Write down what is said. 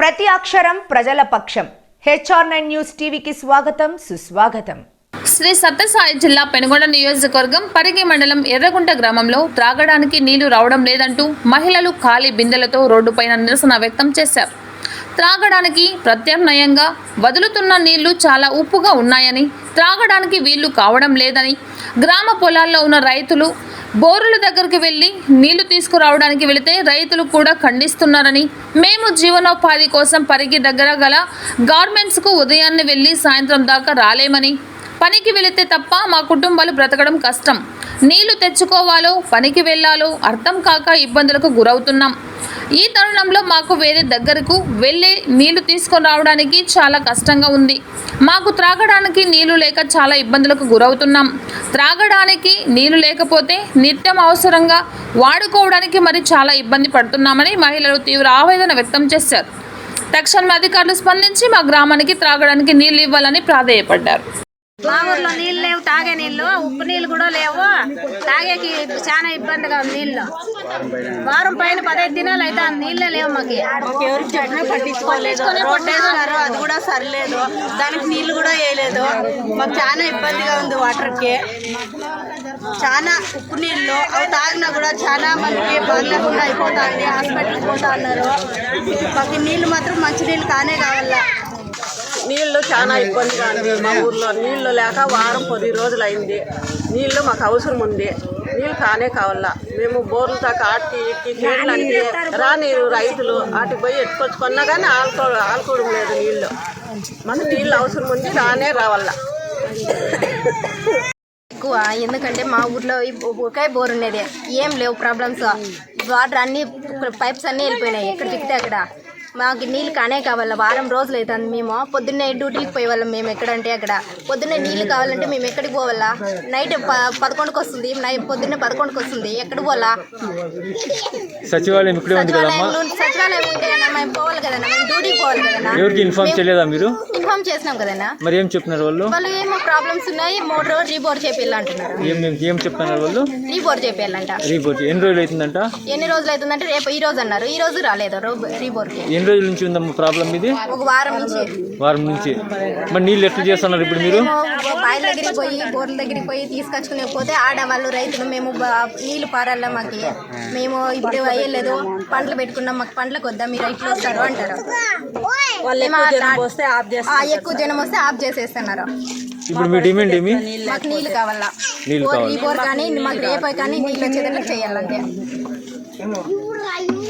ప్రతి అక్షరం ప్రజల పక్షం. HR9 న్యూస్ టీవీకి స్వాగతం, సుస్వాగతం. శ్రీ సత్యసాయి జిల్లా పెనుగొండ నియోజకవర్గం పరిగి మండలం ఎర్రగుంట గ్రామంలో త్రాగడానికి నీళ్లు రావడం లేదంటూ మహిళలు ఖాళీ బిందెలతో రోడ్డుపైన నిరసన వ్యక్తం చేశారు. త్రాగడానికి ప్రత్యామ్నాయంగా వదులుతున్న నీళ్లు చాలా ఉప్పుగా ఉన్నాయని, త్రాగడానికి వీళ్లు కావడం లేదని, గ్రామ పొలాల్లో ఉన్న రైతులు బోరుల దగ్గరికి వెళ్లి నీళ్లు తీసుకురావడానికి వెళితే రైతులు కూడా ఖండిస్తున్నారని, మేము జీవనోపాధి కోసం పరిగి దగ్గర గల గార్మెంట్స్కు ఉదయాన్నే వెళ్లి సాయంత్రం దాకా రాలేమని, పనికి వెళితే తప్ప మా కుటుంబాలు బ్రతకడం కష్టం, నీళ్లు తెచ్చుకోవాలో పనికి వెళ్లాలో అర్థం కాక ఇబ్బందులకు గురవుతున్నాం. ఈ తరుణంలో మాకు వేరే దగ్గరకు వెళ్ళి నీళ్లు తీసుకొని రావడానికి చాలా కష్టంగా ఉంది. మాకు త్రాగడానికి నీళ్లు లేక చాలా ఇబ్బందులకు గురవుతున్నాం. త్రాగడానికి నీళ్లు లేకపోతే నిత్యం అవసరంగా వాడుకోవడానికి మరి చాలా ఇబ్బంది పడుతున్నామని మహిళలు తీవ్ర ఆవేదన వ్యక్తం చేశారు. తక్షణమే అధికారులు స్పందించి మా గ్రామానికి త్రాగడానికి నీళ్లు ఇవ్వాలని ప్రాధేయపడ్డారు. మా ఊర్లో నీళ్ళు లేవు, తాగే నీళ్ళు, ఉప్పు నీళ్ళు కూడా లేవు. తాగేకి చాలా ఇబ్బందిగా ఉంది. నీళ్ళు వారం పైన 15 దినాలు అయితే నీళ్ళే లేవు. మాకు ఎవరికి చెప్పినా పట్టించుకోలేదు. రోడ్డు అది కూడా సరిలేదు, దానికి నీళ్లు కూడా వేయలేదు. మాకు చాలా ఇబ్బందిగా ఉంది. వాటర్కి చాలా ఉప్పు నీళ్ళు అవి తాగినా కూడా చాలా మందికి బాగలేకుండా అయిపోతుంది. హాస్పిటల్కి పోతా ఉన్నారు. మాకు నీళ్ళు మాత్రం మంచి నీళ్ళు కానే కావాలా. నీళ్ళు చాలా ఇబ్బందిగా ఉంది. మా ఊర్లో నీళ్ళు లేక వారం 10 రోజులు అయింది. నీళ్ళు మాకు అవసరం ఉంది. నీళ్ళు కానే కావాలా. మేము బోర్లు దాకా ఆటికి చేయడానికి రాని రైతులు ఆటికి పోయి ఎత్తుకొచ్చుకున్నా కానీ ఆడుకోవడం లేదు. నీళ్ళు మాకు నీళ్ళు అవసరం ఉంది, రానే రావాలా. ఎక్కువ ఎందుకంటే మా ఊర్లో ఒకే బోర్ ఉండేది, ఏం లేవు ప్రాబ్లమ్స్. వాటర్ అన్ని పైప్స్ అన్నీ వెళ్ళిపోయినాయి. ఎక్కడ తిక్కితే అక్కడ మాకు నీళ్ళు కానే కావాలా. వారం రోజులు అవుతుంది. మేము పొద్దున్నే డ్యూటీకి పోయే వాళ్ళం. మేము ఎక్కడంటే అక్కడ పొద్దున్నే నీళ్ళు కావాలంటే మేము ఎక్కడికి పోవాలా? నైట్ 11కి వస్తుంది, పొద్దున్నే 11కి వస్తుంది. ఎక్కడికి పోవాలా? సచివాలయం ఉంటే కదా మేము పోవాలి కదన్నా, మేము డ్యూటీకి పోవాలి కదన్నా. ఎవరికి ఇన్ఫార్మ్ చేయలేదా మీరు? ఇన్ఫార్మ్ చేసినాం కదన్నా. మరి ఏం చెప్తున్నారు వాళ్ళు? వాళ్ళు ఏమో ప్రాబ్లమ్స్ ఉన్నాయి, మోటార్ రీబోర్ చేపిల్లంటున్నారు. ఏం చెప్తున్నారు వాళ్ళు? రీబోర్ చేపిల్లంట. రీబోర్ ఎన్ని రోజులు అవుతుందంట? ఎన్ని రోజులు అవుతుందంటే రేపు ఈ రోజు అన్నారు. ఈ రోజు రాలేదు రీబోర్కి. ఎన్ని రోజుల నుంచి ఉందమ్మా ప్రాబ్లం ఇది? ఒక వారం నుంచి. మరి నీళ్ళు ఎట్లా చేస్తున్నారు ఇప్పుడు మీరు? బాయిల దగ్గరికి పోయి బోర్ల దగ్గరికి పోయి తీసుకొచ్చుకునే పోతే ఆడవాళ్ళు రైతులు మేము నీళ్లు పారాల, మాకు మేము ఇప్పుడు అయ్యలేదు, పంటలు పెట్టుకున్నాం, మాకు పంటలకు వద్దా, మీరు రైతులు వస్తారు అంటారు. ఎక్కువ జనం వస్తే ఆఫ్ చేసేస్తున్నారు. ఇప్పుడు మీ డిమాండ్ ఏమి? మాకు నీళ్లు కావాలా. ఈ బోర్ కానీ మాకు రేపు కానీ నీళ్ళు వచ్చేదానికి చేయాలంటే